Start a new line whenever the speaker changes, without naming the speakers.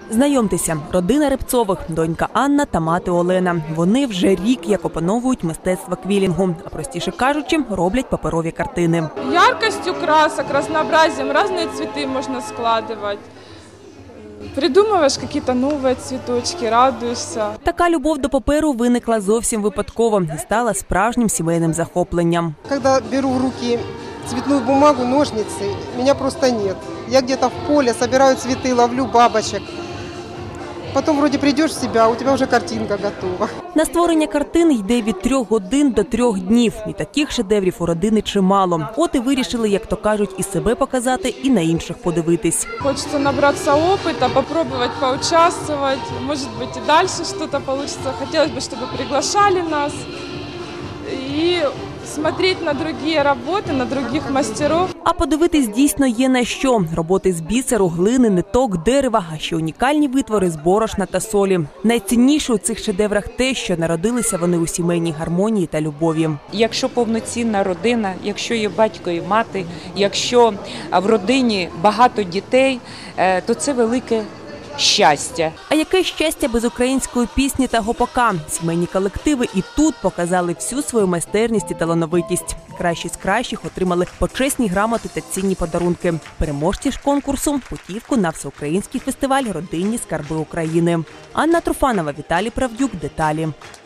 Знайомтеся, родина Рибцових, донька Анна та мати Олена. Вони вже рік як опановують мистецтво квілінгу, а простіше кажучи, роблять паперові картини.
Яркостью красок, разнообразием, разные цветы можно складывать. Придумываешь какие-то новые цветочки, радуешься.
Така любов до паперу виникла зовсім випадково і стала справжнім сімейним захопленням.
Когда беру в руки цветную бумагу, ножницы, меня просто нет. Я где-то в поле собираю цветы, ловлю бабочек. Потом вроде придешь в себя, а у тебя вже картинка готова.
На створення картин йде від 3 годин до 3 днів. І таких шедеврів у родини чимало. От і вирішили, як то кажуть, і себе показати, і на інших подивитись.
Хочется набраться опыта, попробовать поучаствовать. Может быть, и дальше что-то получится. Хотелось бы, чтобы приглашали нас. И смотреть на другие работы, на других мастеров.
А подивитись дійсно є на що. Роботи з бісеру, глини, ниток, дерева, а ще унікальні витвори з борошна та солі. Найцінніше у цих шедеврах те, що народилися вони у сімейній гармонії та любові.
Якщо повноцінна родина, якщо є батько і мати, якщо в родині багато дітей, то це велике щастя.
А яке щастя без української пісні та гопака? Сімейні колективи і тут показали всю свою майстерність і талановитість. Кращі з кращих отримали почесні грамоти та цінні подарунки. Переможці ж конкурсу – путівку на всеукраїнський фестиваль «Родинні скарби України». Анна Труфанова, Віталій Правдюк. Деталі.